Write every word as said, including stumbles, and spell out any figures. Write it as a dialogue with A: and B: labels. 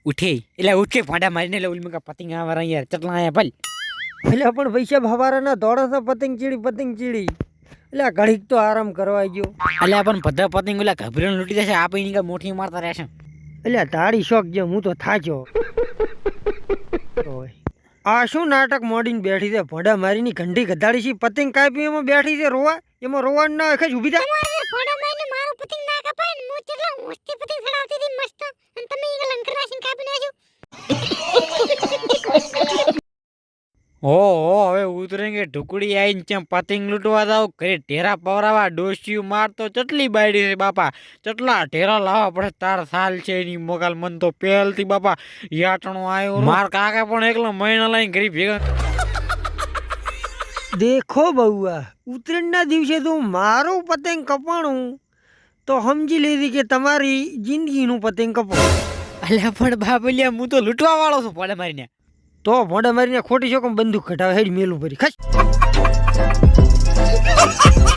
A: ઉઠે એટલે ઉઠ કે ભાંડા મારીને એટલે ઓલી મકા પતંગ આ વાળા યાર ચટલા આયા ભલ
B: એટલે પણ પૈસા ભવારાના દોડો તો પતંગ ચીડી પતંગ ચીડી એટલે ઘડીક તો આરામ કરવા ગયો.
A: એટલે પણ બધા પતંગ ઓલા ગભરીને લૂટી જશે આપણે એની મોટી મારતા રહેશે.
B: એટલે તારી શોખ જે હું તો થાક્યો. આ શું નાટક મોડીને બેઠી છે ભોડા મારીની ઘંટી ગધાડી છે પતંગ કાપી એમાં બેઠી છે રોવા એમાં રોવા ના આખે જ ઊભી થાય.
C: ફોડા મારીને મારો પતંગ ના કપાય ને હું કેટલા હોસ્તી પતંગ ચડાવતી હતી મસ્ત અને તમે ઈ લંકર નાખીને કાપી નાખ્યો.
A: હો હો હવે ઉતરેંગે ઢુકડી આવીને ચમ પતંગ લૂંટવા જાવ ઘરે ઢેરા પવરાવા ડોસ્યું મારતો ચટલી બાયડી છે બાપા ચટલા ઢેરા લાવવા પડે તાર સાલ છે એની મોગાલ મન તો પહેલથી બાપા યાટણો આવ્યો માર કાકા પણ એકલો મહિના લઈને ઘરે ભેગા.
B: દેખો બહુઆ ઉત્તરાયણના દિવસે તું મારું પતંગ કપાણું તો સમજી લીધી કે તમારી જિંદગીનું પતંગ કપો.
A: અલ્યા પણ બાબલિયા હું તો લૂંટવા વાળો છું ભોડા મારીને.
B: તો ભોડા મારીને ખોટી છો બંદૂક કઢાવે હેડ મેલું ભરી ખસ.